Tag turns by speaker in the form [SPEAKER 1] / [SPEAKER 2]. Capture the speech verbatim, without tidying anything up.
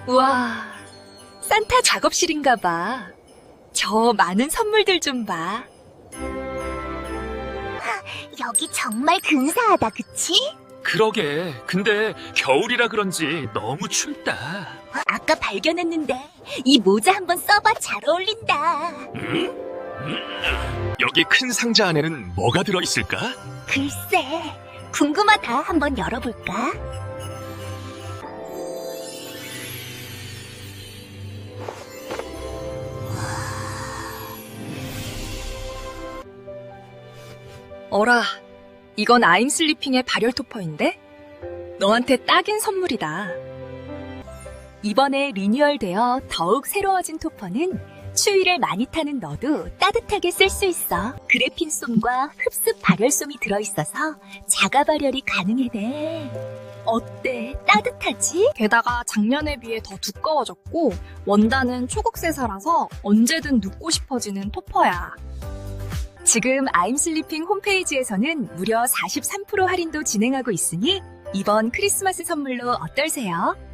[SPEAKER 1] 우와, 산타 작업실인가 봐. 저 많은 선물들 좀 봐.
[SPEAKER 2] 여기 정말 근사하다, 그치?
[SPEAKER 3] 그러게. 근데 겨울이라 그런지 너무 춥다.
[SPEAKER 2] 아까 발견했는데 이 모자 한번 써봐. 잘 어울린다.
[SPEAKER 3] 여기 큰 상자 안에는 뭐가 들어있을까?
[SPEAKER 2] 글쎄, 궁금하다. 한번 열어볼까?
[SPEAKER 1] 어라, 이건 아임슬리핑의 발열 토퍼인데? 너한테 딱인 선물이다. 이번에 리뉴얼되어 더욱 새로워진 토퍼는 추위를 많이 타는 너도 따뜻하게 쓸 수 있어. 그래핀솜과 흡습 발열솜이 들어있어서 자가 발열이 가능해네. 어때? 따뜻하지?
[SPEAKER 4] 게다가 작년에 비해 더 두꺼워졌고 원단은 초국세사라서 언제든 눕고 싶어지는 토퍼야.
[SPEAKER 1] 지금 아임슬리핑 홈페이지에서는 무려 사십삼 퍼센트 할인도 진행하고 있으니 이번 크리스마스 선물로 어떨세요?